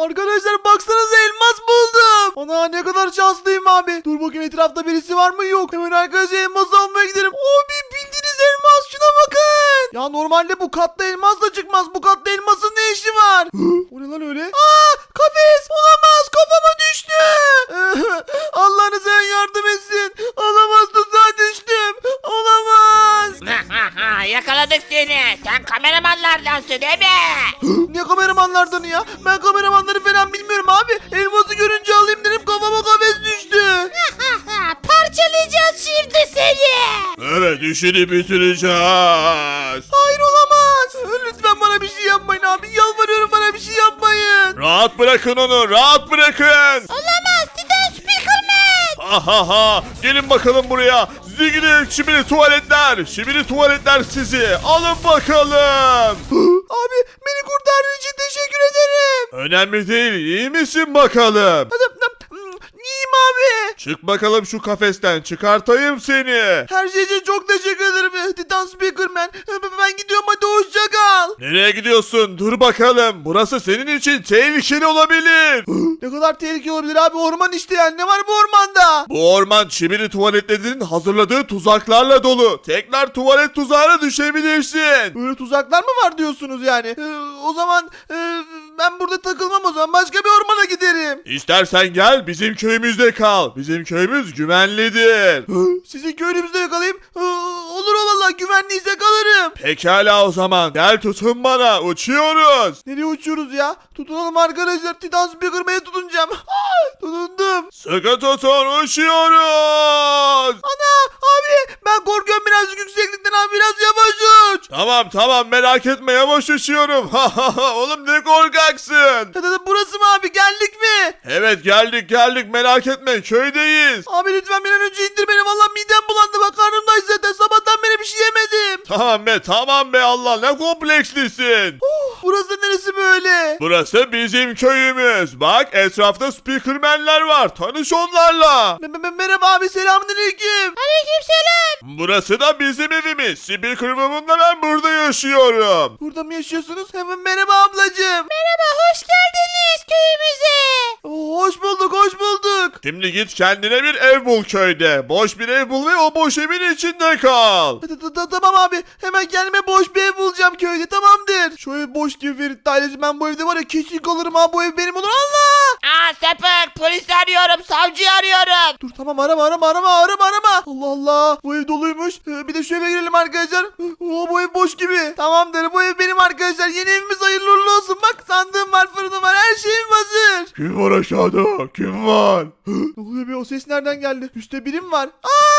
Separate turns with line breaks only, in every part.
Arkadaşlar baksanıza elmas buldum. Ana ne kadar şanslıyım abi. Dur bakayım etrafta birisi var mı? Yok. Hemen arkadaşlar elmas almaya gidelim. Abi bildiğiniz elmas, şuna bakın. Ya normalde bu katta elmas da çıkmaz. Bu katta elmasın ne işi var? O ne lan öyle? Aa, kafes olamaz, kafama düştü. Allah'ınız sen yardım etsin. Olamaz, tuzağa düştüm. Olamaz.
Yakaladık seni. Sen kameramanlardansın değil mi?
Ne kameramanlardan ya? Ben kameramanları falan bilmiyorum abi. Elması görünce alayım dedim, kafama kafes düştü.
Parçalayacağız şimdi seni.
Evet, işini bitireceğiz.
Hayır olamaz. Lütfen bana bir şey yapmayın abi. Yalvarıyorum, bana bir şey yapmayın.
Rahat bırakın onu, rahat bırakın.
Olamaz. Titan Speakerman.
Ha ha ha, gelin bakalım buraya. Zigili çimili tuvaletler, çimili tuvaletler sizi. Alın bakalım.
Abi beni kurtardığın için teşekkür ederim.
Önemli değil, iyi misin bakalım?
İyiyim abi.
Çık bakalım şu kafesten, çıkartayım seni.
Her şey için çok teşekkür ederim Titan Speakerman. Ben gidiyorum, hadi hoşça kal.
Nereye gidiyorsun? Dur bakalım. Burası senin için tehlikeli olabilir.
Ne kadar tehlikeli olabilir abi, orman işte yani. Ne var bu ormanda?
Bu orman çimili tuvaletlerin hazırladığı tuzaklarla dolu. Tekrar tuvalet tuzağına düşebilirsin.
Böyle tuzaklar mı var diyorsunuz yani? O zaman ben burada takılmam o zaman. Başka bir ormana giderim.
İstersen gel bizim köyümüzde kal. Bizim köyümüz güvenlidir.
Sizin köyünüzde yakalayayım. Olur o valla, güvenliyse kalırım.
Pekala o zaman. Gel tutun bana. Uçuyoruz.
Nereye uçuyoruz ya? Tutunalım arkadaşlar. Titan Speakerman'e tutunacağım. Tutundum.
Sıkı tutun, uçuyoruz.
Ana abi, ben korkuyorum birazcık yükseklikten abi, biraz yavaş uç.
Tamam merak etme, yavaş uçuyorum. Oğlum ne korkaksın.
Burası mı abi, geldik mi?
Evet geldik merak etme, köydeyiz.
Abi lütfen bir an önce indir beni, valla midem bulandı, bak karnımdayız zaten, sabahtan beri bir şey yemedim.
Tamam be Allah, ne komplekslisin.
Burası neresi böyle?
Burası bizim köyümüz. Bak etrafta speakermenler var, tanış onlarla.
Merhaba abi, selamünaleyküm.
Aleykümselam.
Burası da bizim evimiz. Speakerman'la ben burada yaşıyorum.
Burada mı yaşıyorsunuz? Hemen merhaba ablacığım.
Merhaba, hoş geldiniz köyümüze.
Hoş bulduk, hoş bulduk.
Şimdi git kendine bir ev bul köyde. Boş bir ev bul ve o boş evin içinde kal.
Tamam abi, hemen kendime boş bir ev bulacağım köyde, tamamdır. Şu ev boş gibi Ferit ailesi, ben bu evde var ya kesin kalırım ha, bu ev benim olur. Allah!
Sapık, polis arıyorum, savcı arıyorum.
Dur tamam, arama. Allah Allah, bu ev doluymuş. Bir de şu eve girelim arkadaşlar. Bu ev boş gibi. Tamamdır, bu ev benim arkadaşlar. Yeni evimiz hayırlı uğurlu olsun. Bak sandığım var, fırınım var, her şeyim hazır.
Kim var aşağıda? Kim var?
Ne oluyor be, o ses nereden geldi? Üstte birim var.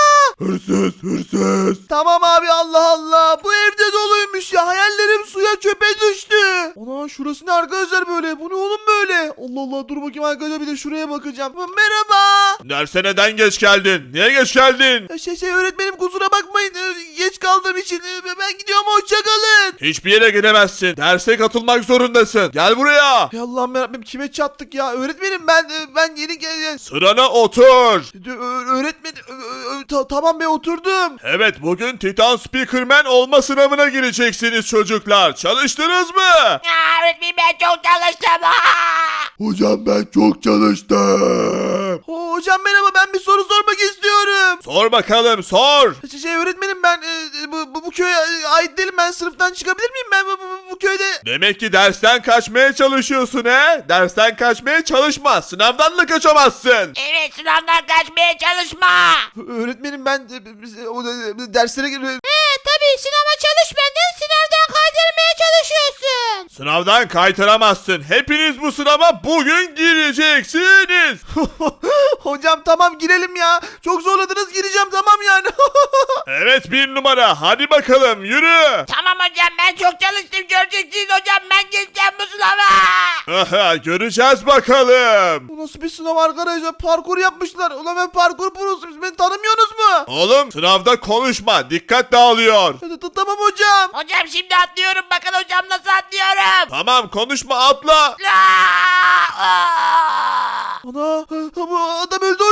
Hırsız.
Tamam abi, Allah Allah. Bu evde doluymuş ya. Hayallerim suya, çöpe düştü. Ana şurası ne arkadaşlar böyle? Bu ne oğlum böyle? Allah Allah, dur bakayım arkadaşlar, bir de şuraya bakacağım. Merhaba.
Derse neden geç geldin? Niye geç geldin?
Öğretmenim kusura bakmayın. Geç kaldığım için. Ben gidiyorum, hoşça kalın.
Hiçbir yere gidemezsin. Derse katılmak zorundasın. Gel buraya.
Ya Allah'ım yarabbim, kime çattık ya? Öğretmenim ben yeni geldim.
Sırana otur.
Öğretmenim tamam be, oturdum.
Evet, bugün Titan Speakerman olma sınavına gireceksiniz çocuklar. Çalıştınız mı?
Öğretmenim, ben çok çalıştım.
Hocam ben çok çalıştım.
Hocam merhaba, ben bir soru sormak istiyorum.
Sor bakalım, sor.
Öğretmenim, ben bu köye ait değilim, ben sınıftan çıkabilir miyim? Ben bu köyde...
Demek ki dersten kaçmaya çalışıyorsun he? Dersten kaçmaya çalışma. Sınavdan da kaçamazsın.
Evet, sınavdan kaçmaya çalışma.
Öğretmenim ben derslere...
Tabii, sınava çalışmadın, sınavdan kaydırmaya çalışıyorsun.
Sınavdan kaytaramazsın. Hepiniz bu sınava bugün gireceksiniz.
Hocam tamam, girelim ya. Çok zorladınız, gireceğim tamam yani.
Evet, 1 numara. Hadi bakalım yürü.
Tamam hocam, ben çok çalıştım, göreceksiniz hocam, ben geçeceğim bu sınava.
Aha, göreceğiz bakalım.
Bu nasıl bir sınav arkadaşlar? Parkur yapmışlar. Ulan ben parkur prosu, siz beni tanımıyorsunuz mu?
Oğlum sınavda konuşma. Dikkat dağılıyor.
Tamam hocam.
Hocam şimdi atlıyorum, bakın hocam nasıl atlıyorum.
Tamam, konuşma, atla.
Ana bu adam öldü hocam.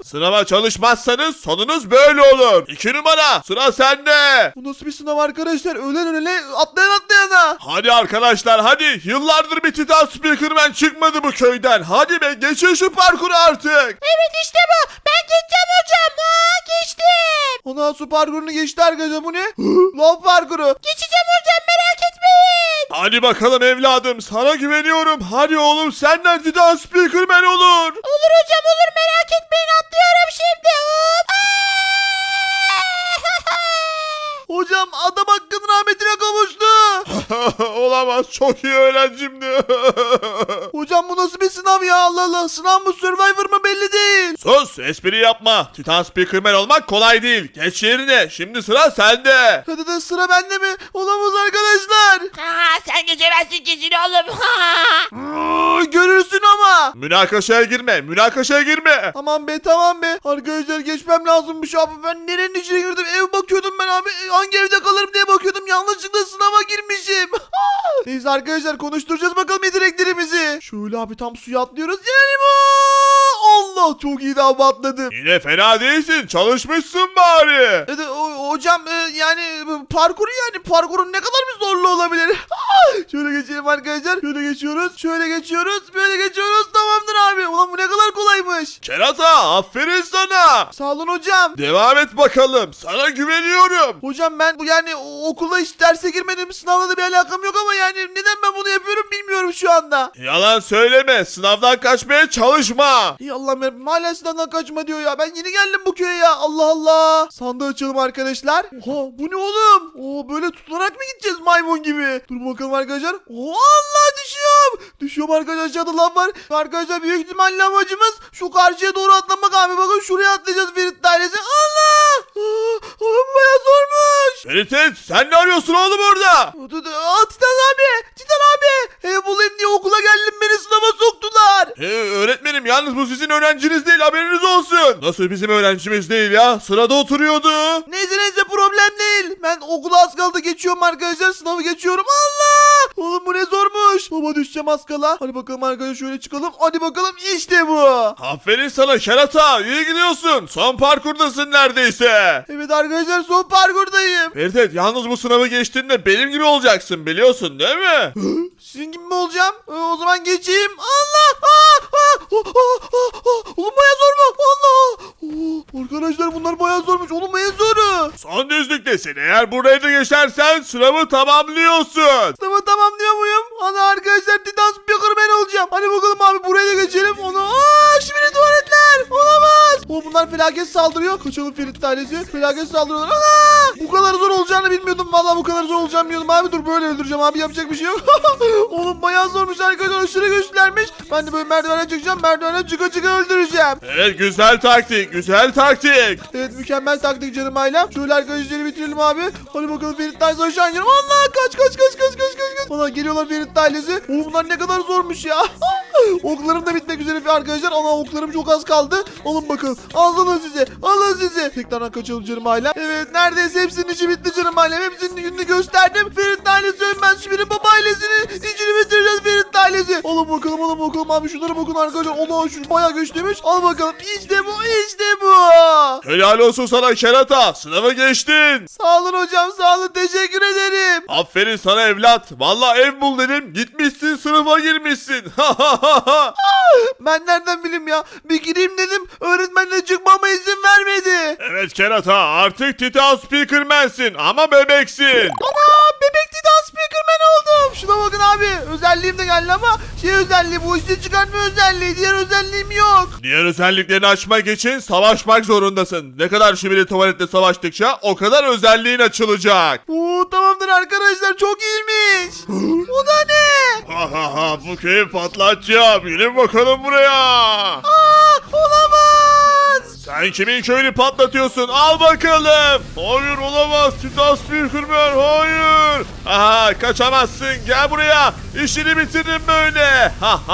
Sınava çalışmazsanız sonunuz böyle olur. 2 numara sıra sende.
Bu nasıl bir sınav arkadaşlar? Ölen ölene atlayan atlayana.
Hadi arkadaşlar hadi. Yıllardır bir Titan Speakerman çıkmadı bu köyden. Hadi be geçin şu parkuru artık.
Evet işte bu. Ben geçeceğim hocam. Geçtim.
Ona su parkurunu geçti arkadaşlar, bu ne? Lav parkuru.
Geçeceğim hocam, merak etmeyin.
Hadi bakalım evladım sana güveniyorum. Hadi oğlum senden Titan Speakerman olur.
Olur hocam olur, merak etmeyin, atlıyorum şimdi. Hop.
Hocam adam hakkının rahmetine kavuştu.
Olamaz çok iyi öğrencimdi.
Hocam bu nasıl bir sınav ya, Allah Allah. Sınav mı Survivor mı belli değil.
Sus espri yapma. Titan Speakerman olmak kolay değil. Geç yerine şimdi sıra sende.
Hadi de sıra bende mi? Olamaz arkadaşlar.
Sen geçemezsin kesin oğlum.
Görürsün ama.
Münakaşaya girme münakaşaya girme.
Tamam be tamam be. Arkadaşlar geçmem lazımmış abi. Ben nerenin içine girdim? Ev bakıyordum ben abi. Hangi evde kalırım diye bakıyordum. Yanlışlıkla sınava girmişim. Neyse arkadaşlar konuşturacağız bakalım yeteneklerimizi. Şöyle abi tam suya atlıyoruz. Yani bu. Allah çok iyi daha atladım.
Yine fena değilsin çalışmışsın bari.
Hocam yani parkuru yani parkurun ne kadar bir zorlu olabilir? Şöyle geçelim arkadaşlar. Şöyle geçiyoruz. Şöyle geçiyoruz. Böyle geçiyoruz. Tamamdır abi. Ulan bu ne kadar kolaymış.
Kerata aferin sana.
Sağ olun hocam.
Devam et bakalım sana güveniyorum.
Hocam ben bu yani okula hiç derse girmedim. Sınavla da bir alakam yok ama yani neden ben bunu yapıyorum bilmiyorum şu anda.
Yalan söyleme sınavdan kaçmaya çalışma.
İyi Allah'ım yarabbim, hala sınavdan kaçma diyor ya. Ben yeni geldim bu köye ya. Allah Allah. Sandığı açalım arkadaşlar. Oha bu ne oğlum? Oo böyle tutarak mı gideceğiz maymun gibi? Dur bakalım arkadaşlar. Oo Allah düşüyorum. Düşüyorum arkadaşlar, aşağıda lav var. Arkadaşlar büyük ihtimalle amacımız şu karşıya doğru atlamak abi. Bakın şuraya atlayacağız Ferit dairesi. Allah. Oğlum bayağı zormuş.
Ferit sen ne arıyorsun oğlum orada?
Titan abi. Titan abi. Ev bulayım diye okula geldim, beni sınava soktular.
Öğretmenim yalnız bu sizin öğrenciniz değil haberiniz olsun. Nasıl bizim öğrencimiz değil ya sırada oturuyordu.
Neyse problem değil. Ben okula az kaldı geçiyorum arkadaşlar. Sınavı geçiyorum. Allah. Oğlum bu ne zormuş. Baba düşeceğim az kala. Hadi bakalım arkadaşlar şöyle çıkalım. Hadi bakalım işte bu.
Aferin sana kerata iyi gidiyorsun. Son parkurdasın neredeyse.
Evet arkadaşlar son parkurdayım.
Ferit yalnız bu sınavı geçtiğinde benim gibi olacaksın biliyorsun değil mi?
Sizin gibi mi olacağım? O zaman geçeyim. Allah. Oğlum bayağı zor mu? Allah. Arkadaşlar bunlar bayağı zormuş. Oğlum en zoru.
Son düzlüktesin eğer burayı da geçersen sınavı tamamlıyorsun.
Sınavı tamamlıyor muyum? Ana arkadaşlar Titan Speakerman olacağım. Hadi bakalım abi buraya da geçelim. Onu. Şimdi tuvaletler. Olamaz. Bunlar felaket saldırıyor. Kaçalım Ferit ailesi. Felaket saldırıyorlar. Ana. Bu kadar zor olacağını bilmiyordum. Vallahi bu kadar zor olacağını bilmiyordum abi. Dur böyle öldüreceğim abi. Yapacak bir şey yok. Oğlum bayağı zormuş arkadaşlar. Aşırı güçlülermiş. Ben de böyle merdivene çıkacağım. Merdivene çıka öldüreceğim.
Evet güzel taktik güzel taktik.
Evet mükemmel taktik canım ailem. Şöyle arkadaşları bitirelim abi. Hadi bakalım Ferit ailesi aşağı inelim. Allah kaç. Valla geliyorlar Ferit ailesi. Oğlum bunlar ne kadar zormuş ya. Oklarım da bitmek üzere arkadaşlar. Ana oklarım çok az kaldı. Alın bakalım. Alın size. Tekrardan kaçalım canım ailem. Evet neredeyse hepsinin içi bitti canım ailem. Hepsinin gününü gösterdim. Ferit ailesi ölmez. Şimdi baba ailesinin içini bitireceğiz Ferit ailesi. Alın bakalım abi. Şunlara bakın arkadaşlar. Allah şu bayağı güçlüymüş. Al bakalım. İşte bu.
Helal olsun sana kerata sınavı geçtin.
Sağ olun hocam. Sağ olun. Teşekkür ederim.
Aferin sana evlat. Vallahi ev bul dedim. Gitmişsin sınıfa girmişsin.
Ben nereden bileyim ya? Bir gireyim dedim. Öğretmenle çıkmama izin vermedi.
Evet kerata artık Titan Speakerman'sin ama bebeksin.
Ana bebek Titan Speakerman oldum. Şuna bakın abi. Özelliğim de geldi ama özelliği bu işte çıkartma özelliği. Diğer özelliğim yok.
Diğer özelliklerini açmak için savaşmak zorundasın. Ne kadar şibili tuvalette savaştıkça o kadar özelliğin açılacak.
Tamamdır arkadaşlar. Çok iyiymiş. O da ne?
Bu köyü patlatacağım. Gelin bakalım buraya.
Olamaz.
Sen kimin köyünü patlatıyorsun? Al bakalım. Hayır olamaz. Titan Speakerman hayır. Kaçamazsın. Gel buraya. İşini bitiririm böyle.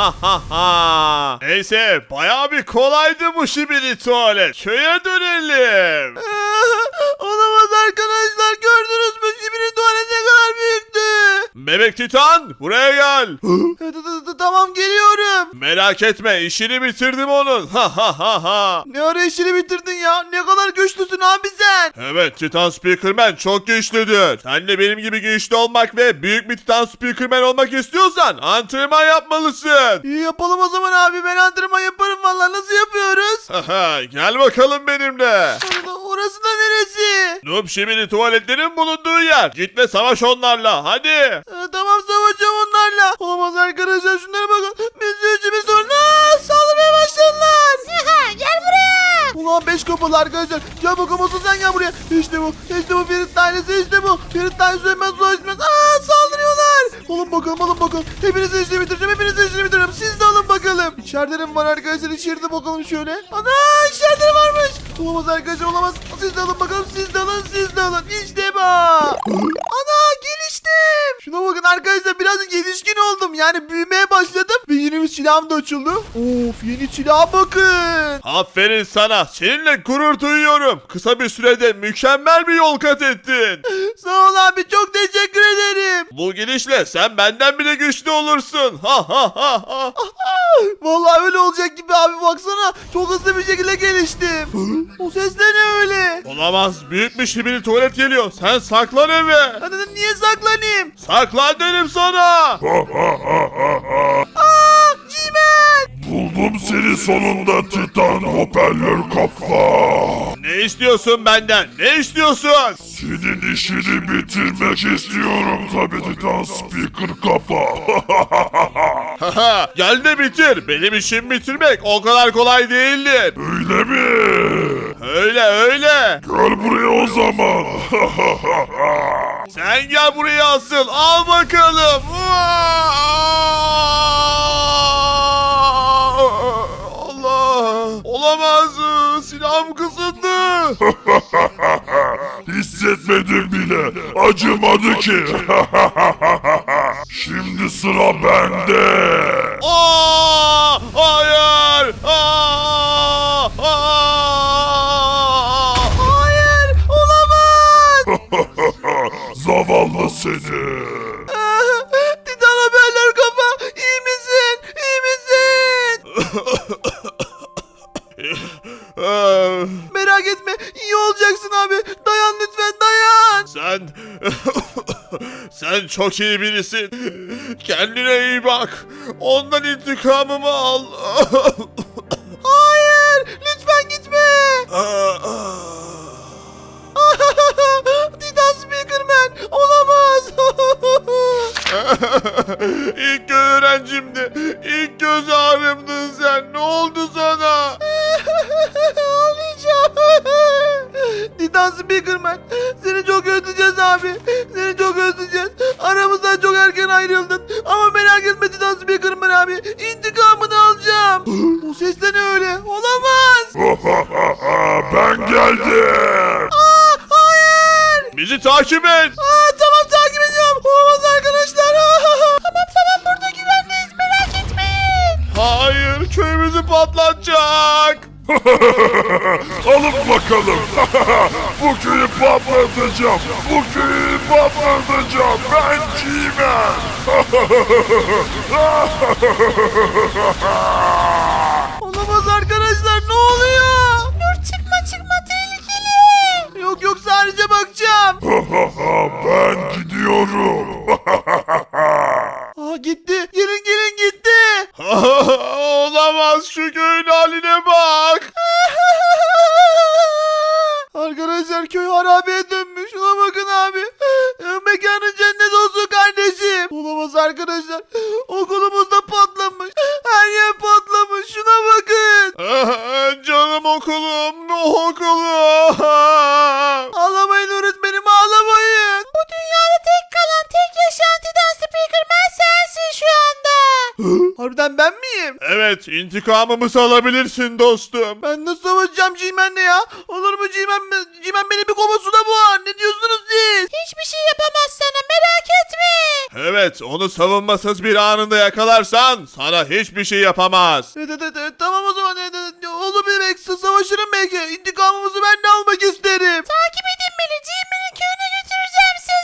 Neyse bayağı bir kolaydı bu şibili tuvalet. Köye dönelim.
Olamaz arkadaşlar. Gördünüz mü? Sibir'in tuvaleti ne kadar büyüktü.
Bebek Titan buraya gel.
Tamam geliyorum.
Merak etme işini bitirdim onun. Ha ha ha ha.
Ne ara işini bitirdin ya? Ne kadar güçlüsün abi sen.
Evet Titan Speakerman çok güçlüdür. Sen de benim gibi güçlü olmak ve büyük bir Titan Speakerman olmak istiyorsan antrenman yapmalısın.
İyi yapalım o zaman abi. Ben antrenman yaparım vallahi. Nasıl yapıyoruz?
Haha, gel bakalım benimle.
Orası da neresi?
Noob Şibili tuvaletlerin bulunduğu yer. Git ve savaş onlarla hadi.
Tamam savaşacağım onlarla. Olamaz arkadaşlar şunlara bakın. Biz üçümüz sonra saldırmaya başladılar.
Gel buraya.
Ulan 5 kapalı arkadaşlar. Gel bakalım olsun sen gel buraya. İşte bu. İşte bu Ferit tanesi işte bu. Ferit tanesi ölmez ulaşmaz. Saldırıyorlar. Alın bakalım alın bakalım. Hepinizin işini bitireceğim. Hepinizin işini bitireceğim. Siz de alın bakalım. İçeride mi var arkadaşlar? İçeride bakalım şöyle. Ana içeride varmış. Olamaz arkadaşlar olamaz. Siz de alın bakalım. Siz de alın. Siz de alın. İşte bu. Ana geliştim. Şuna bakın arkadaşlar birazcık yetişkin oldum. Yani büyümeye başladım. Ve yeni bir silahım da açıldı. Of yeni silaha bakın.
Aferin sana. Seninle gurur duyuyorum. Kısa bir sürede mükemmel bir yol kat ettin.
Sağ ol abi çok teşekkür ederim.
Bu gidişle sen benden bile güçlü olursun. Ha ha ha ha.
Vallahi öyle olacak gibi abi baksana. Çok hızlı bir şekilde geliştim. O ses de ne öyle?
Olamaz. Büyük bir şibili tuvalet geliyor. Sen saklan eve.
Ben dedim niye saklanayım?
Saklan dedim sana.
Cimen.
Buldum seni sonunda Titan hoparlör kafa.
Ne istiyorsun benden? Ne istiyorsun?
Senin işini bitirmek istiyorum tabii Titan Speaker kafa.
Haha, gel de bitir. Benim işimi bitirmek o kadar kolay değildir.
Öyle mi?
Öyle öyle.
Gel buraya o zaman.
Sen gel buraya asıl. Al bakalım. Allah. Olamaz. Silahım kısıldı.
Hissetmedim bile. Acımadı ki. Şimdi sıra bende.
Aa, hayır.
Hayır olamaz.
Zavallı seni.
Titan haberler kafa. İyi misin? İyi misin? Merak etme. İyi olacaksın abi. Dayan lütfen dayan.
Sen çok iyi birisin. Kendine iyi bak. Ondan intikamımı al.
Hayır. Lütfen gitme. Titan Speakerman. Olamaz.
İlk öğrencimdi. İlk göz ağrımdın sen. Ne oldu sana?
Ağlayacağım. Titan Speakerman. Seni çok özleyeceğiz abi. Seni çok özleyeceğiz. Aramızdan çok erken ayrıldın. Ama merak etme Titan Speakerman abi. İntikamını alacağım. O ses de ne öyle? Olamaz.
Ben geldim.
Hayır.
Bizi takip et.
Tamam takip ediyorum. Olamaz arkadaşlar. Tamam burada güvendeyiz. Merak etmeyin.
Hayır, köyümüzü patlatacak.
Alın bakalım. Bu köyü patlatacağım. Bu köyü patlatacağım. Ben Cimen.
Olamaz arkadaşlar ne oluyor? Dur çıkma tehlikeli. Yok sadece bakacağım.
Ben gidiyorum.
Gitti. Gelin gitti.
Olamaz, şu köyün haline bak.
Arkadaşlar köy harabeye dönmüş. Şuna bakın abi. Mekanın cennet olsun kardeşim. Olamaz arkadaşlar. Okulumuz da patlamış. Her yer patlamış. Şuna bakın.
Canım okulum, okulum.
Ağlamayın öğretmenim ağlamayın. Bu dünyada tek kalan tek yaşayan Titan Speakerman sensin şu anda. Harbiden ben miyim?
Evet, intikamımızı alabilirsin dostum.
Ben nasıl savaşacağım G-Man'le ya? Olur mu G-Man? G-Man beni bir kova suda boğar. Ne diyorsunuz siz? Hiçbir şey yapamaz sana merak etme.
Evet, onu savunmasız bir anında yakalarsan sana hiçbir şey yapamaz.
Evet, tamam o zaman. Olur bebek savaşırım belki. İntikamımızı ben de almak isterim. Takip edin beni. G-Man'in köyüne götüreceğim sizi.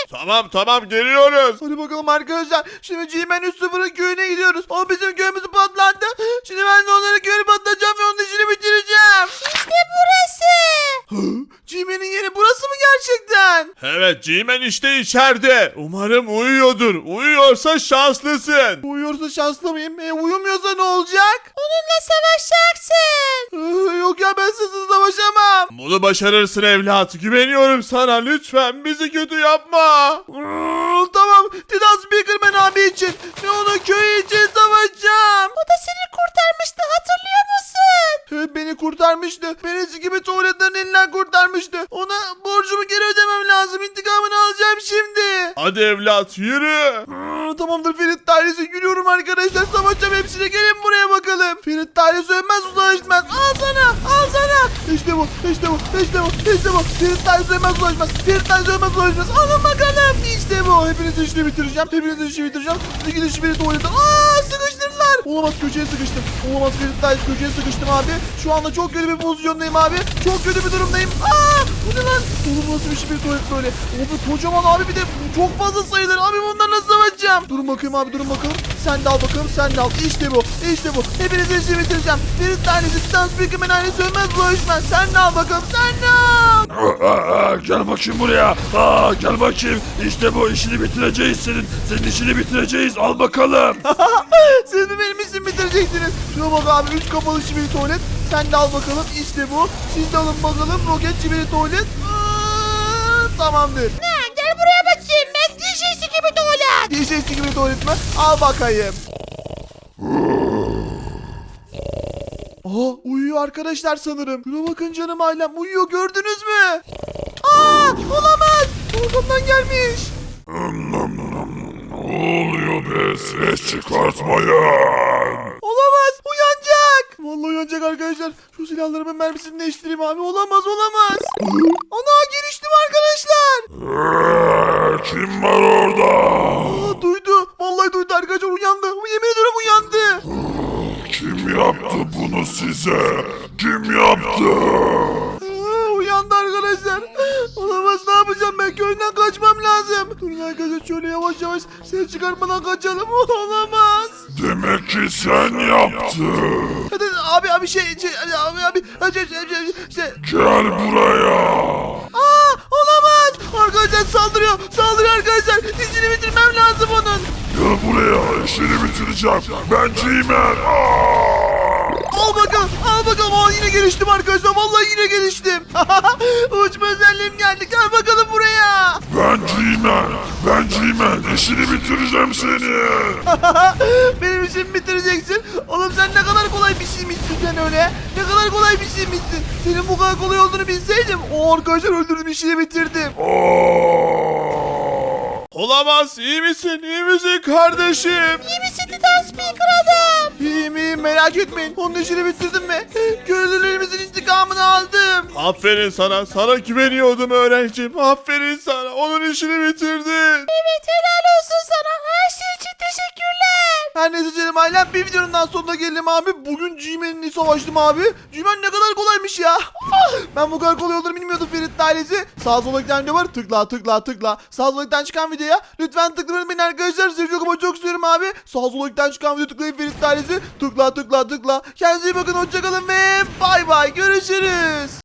Tamam geliyoruz.
Hadi bakalım arkadaşlar. Şimdi G-Man 3-0'ın köyüne gidiyoruz. O bizim köyümüzü patlattı. Şimdi ben de onların köyünü patlatacağım ve onun işini bitireceğim.
İşte burası.
G-Man'in yeri burası mı gerçekten?
Evet G-Man işte içeride. Umarım uyuyordur. Uyuyorsa şanslısın.
Uyuyorsa şanslı mıyım? Uyumuyorsa ne olacak?
Onunla savaşacaksın.
Yok ya ben sizsiz savaşamam.
Bunu başarırsın evlat. Güveniyorum sana. Lütfen bizi kötü yapma.
Tamam. Titan Speakerman abi için ve onun köyü için savaşacağım.
O da seni kurtarmıştı, hatırlıyor musun?
Evet beni kurtarmıştı. Beni gibi tuvaletlerin elinden kurtarmıştı. Ona borcumu geri ödemem lazım. İntikamını alacağım şimdi.
Hadi evlat yürü.
Tamamdır Ferit dairesi yürüyorum arkadaşlar. Savaşacağım hepsine. Gelin buraya bakalım. Ferit dairesi ölmez uzlaşmaz. Al sana. Al sana. İşte bu. İşte bu. İşte bu. İşte bu. Ferit dairesi ölmez uzlaşmaz. Ferit dairesi ölmez uzlaşmaz. Alın bakalım. İşte bu. Hepinizin işini bitireceğim. Hepinizin işini bitireceğim. Siz gidin şu beni tuvaletten. Sıkıştırdılar. Olamaz köşeye sıkıştım. Olamaz Ferit dairesi köşeye sıkıştım abi. Şu anda çok kötü bir pozisyondayım abi. Çok kötü bir durumdayım. Bu ne lan? Oğlum nasıl bir şey bir tuvalet böyle? Abi kocaman abi bir de çok fazla sayılır. Abi bundan nasıl savaşacağım? Durun bakayım abi durun bakalım. Sen de al bakalım sen de al. İşte bu. İşte bu. Hepinizin işini bitireceğim. Bir tanesi Titan Speakerman ailesi ölmez bulaşmaz. Sen de al bakalım sen de al.
Gel bakayım buraya. Gel bakayım. İşte bu işini bitireceğiz senin. Senin işini bitireceğiz. Al bakalım.
Siz mi benim işimi bitireceksiniz? Şuna bak abi 3 kapalı şibiri tuvalet. Sen de al bakalım. İşte bu. Siz de alın bakalım. Roket şibiri tuvalet. Tamamdır.
Gel buraya bakayım, ben dişisi gibi tuvalet.
DJ'si gibi tuvalet mi? Al bakayım. Uyuyor arkadaşlar sanırım. Şuna bakın canım ailem uyuyor gördünüz mü? Olamaz. Arkamdan gelmiş.
Ne oluyor be? Ses çıkartmayın.
Olamaz uyanacak. Vallahi uyanacak arkadaşlar. Şu silahlarımın mermisini değiştireyim abi. Olamaz. Ana giriştim arkadaşlar.
Kim var orada?
Duydu. Vallahi duydu arkadaşlar uyandı. Yemin ediyorum uyandı.
Kim yaptı bunu size? Kim yaptı?
Uyandı arkadaşlar. Olamaz ne yapacağım ben köyden kaçmam lazım. Durun arkadaşlar şöyle yavaş yavaş ses çıkarmadan kaçalım. Olamaz.
Demek ki sen yaptın.
Hadi abi şey
Gel buraya.
olamaz. Arkadaşlar saldırıyor arkadaşlar. Dizini bitirmem lazım onun.
Gel buraya. İşini bitireceğim. Ben G-Man.
Al bakalım. Yine geliştim arkadaşlar. Vallahi yine geliştim. Uçma özelliğim geldi. Gel bakalım buraya.
Ben G-Man. İşini bitireceğim seni.
Benim işimi bitireceksin. Oğlum sen ne kadar kolay bir şeymişsin sen öyle. Ne kadar kolay bir şeymişsin. Senin bu kadar kolay olduğunu bilseydim. Arkadaşlar öldürdüm işini bitirdim.
Olamaz. İyi misin? İyi misin kardeşim?
İyi misin Titan Speaker adam?
İyiyim merak etmeyin. Onun işini bitirdim mi? Köylülerimizin intikamını aldım.
Aferin sana. Sana güveniyordum öğrencim. Aferin sana. Onun işini bitirdin.
Evet, helal olsun sana. Her şey için teşekkürler.
Her neyse canım ailem bir videonun daha sonuna geldim abi. Bugün G-Man'le savaştım abi. G-Man ne kadar kolaymış ya. Ben bu kadar kolay olduğunu bilmiyordum Ferit ailesi. Sağ sola giden video var. Tıkla. Sağ sola giden çıkan videoya lütfen tıklamayın beni arkadaşlar. Sizi çok ama çok istiyorum abi. Sağ sola giden çıkan video tıklayın Ferit ailesi. Tıkla. Kendinize iyi bakın. Hoşçakalın ve bay bay. Görüşürüz.